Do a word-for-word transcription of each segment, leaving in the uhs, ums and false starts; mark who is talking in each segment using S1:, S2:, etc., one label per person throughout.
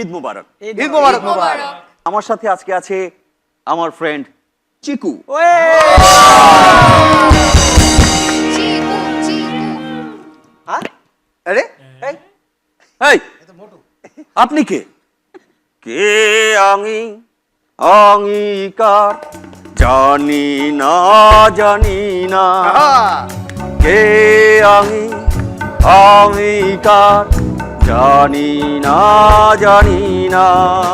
S1: ঈদ মুবারক।
S2: ঈদ মুবারক মুবারক।
S1: আমার সাথে আজকে আছে আমার ফ্রেন্ড চিকু।
S2: আরে
S1: এই আপনি কে? কে আমি অঙ্গীকার জানি না জানি না, কে আমি অঙ্গীকার জানি না জানি না।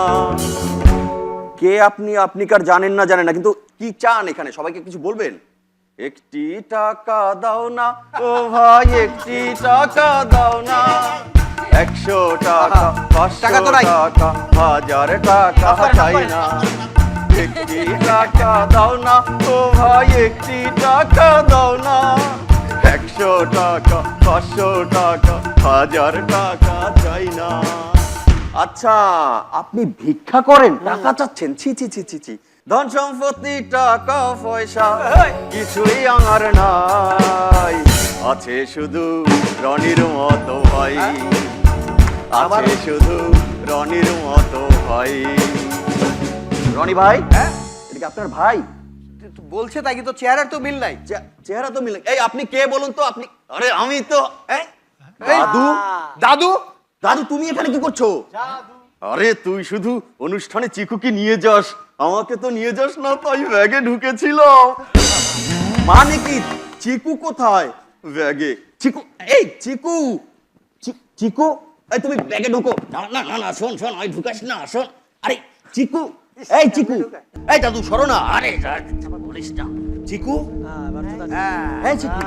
S1: কে আপনি? আপনি কার জানেন না জানেন না, কিন্তু কি চান এখানে? সবাইকে কিছু বলবেন? একটি টাকা দাও না ও ভাই, একটি টাকা দাও না, একশো টাকা পাঁচশো টাকা হাজার টাকা চাই না, একটি টাকা দাও না ও ভাই, একটি টাকা দাও না, একশো টাকা পাঁচশো টাকা হাজার টাকা চাই না। আচ্ছা, আপনি ভিক্ষা করেন, টাকা চাচ্ছেন? ছি ছি ছি ছি ছি। ধন সম্পত্তি টাকা পয়সা কিছুই আমার নাই, আছে শুধু রনির মতো ভাই, আছে শুধু রনির মতো ভাই। রনি ভাই, হ্যাঁ এটা কি আপনার ভাই?
S2: বলছে তাই, কিন্তু চেহারার তো মিল নাই।
S1: চেহারা তো মিল নাই। এই আপনি কে বলুন তো? আপনি? আরে আমি তো দাদু।
S2: দাদু?
S1: দাদু তুমি এখানে কি করছো? আরে তুই শুধু অনুষ্ঠানে চিকুকে নিয়ে যাস, আমাকে তো নিয়ে যাস না, তাই ব্যাগে ঢুকেছিল। মানে কি? চিকু কোথায়? ব্যাগে। চিকু, এই চিকু, চিকু এই তুমি ব্যাগে ঢুকো। না না না না, শোন শোন, ওই ঢুকাস না, শোন। আরে চিকু, এই চিকু, এই দাদু সরো না। আরে বলিস না। চিকু, এই চিকু।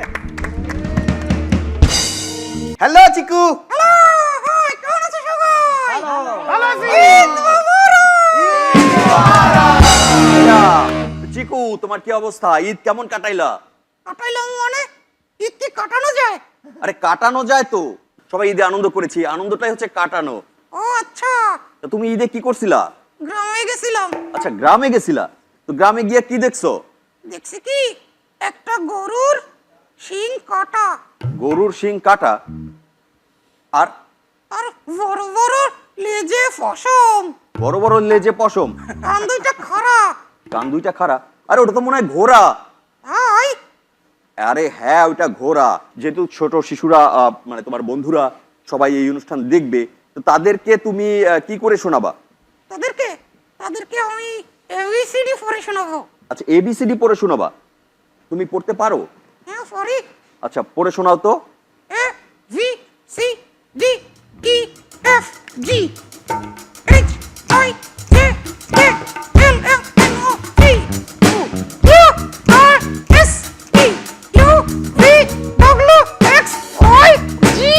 S2: হ্যালো চিকু।
S1: চিকু, তোমার কি অবস্থা? ঈদ কেমন কাটাইলা?
S3: কাটাইলাম মানে? ঈদ কি কাটানো যায়?
S1: আরে কাটানো যায় তো, সবাই ঈদে আনন্দ করেছি, আনন্দটাই হচ্ছে কাটানো।
S3: ও আচ্ছা।
S1: তো তুমি ঈদে কি করছিলা?
S3: গ্রামে গেছিলাম।
S1: আচ্ছা, গ্রামে গেছিলা, তো গ্রামে গিয়ে কি দেখছো?
S3: দেখছি কি একটা গরুর শিং কাটা।
S1: গরুর শিং কাটা? আর
S3: আর বড় বড় লেজে পশম।
S1: বড় বড় লেজে পশম?
S3: কান দুইটা খাড়া।
S1: কান দুইটা খাড়া? আরে ওটা তো মনে হয় ঘোড়া।
S3: হাই,
S1: আরে হ্যাঁ, ওইটা ঘোড়া। যেহেতু ছোট শিশুরা, মানে তোমার বন্ধুরা সবাই এই অনুষ্ঠান দেখবে, তো তাদেরকে তুমি কি করে শোনাবা?
S3: তাদেরকে তাদেরকে আমি এবিসিডি পড়ে শোনাবো।
S1: আচ্ছা, এবিসিডি পড়ে শোনাবা? তুমি পড়তে পারো?
S3: হ্যাঁ পারি।
S1: আচ্ছা, পড়ে শোনাও তো।
S3: A V C D E F G H I J K L M N O P Q R S T U V W X Y Z.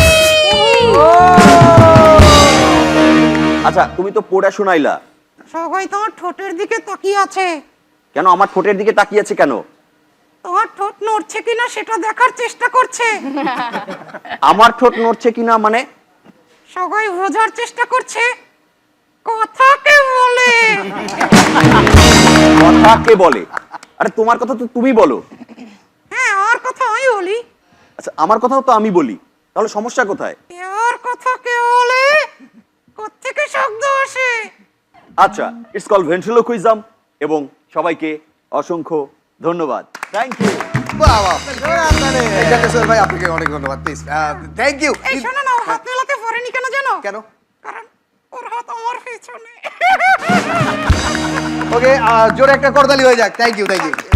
S1: আচ্ছা, তুমি তো পড়ে শোনাইলা,
S3: সবাই তোমার ঠোঁটের দিকে তাকিয়ে আছে।
S1: কেন আমার ঠোঁটের দিকে তাকিয়ে আছে কেন?
S3: তোমার ঠোঁট নড়ছে কিনা সেটা দেখার চেষ্টা করছে।
S1: আমার ঠোঁট নড়ছে কিনা মানে?
S3: সবাই বোঝার চেষ্টা করছে কথা কে বলে।
S1: কথা কে বলে? আরে তোমার কথা তো তুমি বলো।
S3: হ্যাঁ, আমার কথা আমি বলি।
S1: আচ্ছা, আমার কথাও তো আমি বলি, তাহলে সমস্যা কোথায়?
S3: এর কথা কে বলে? কোত্থেকে শব্দ আসে?
S1: আচ্ছা, ইটস কল ভেন্ট্রিলোকুইজম, এবং সবাইকে অসংখ্য ধন্যবাদ। Thank you.
S2: বাহ বাহ, জাকেশ্বর ভাই আপনাকে অনেক ধন্যবাদ। Please thank you.
S3: এই শোনো না, ও হাত মেলাতে পারেনি কেন জানো?
S2: কেন?
S3: কারণ ওর হাত আমার পেছনে।
S2: ওকে, জোরে একটা করতালি হয়ে যাক। Thank you, thank you.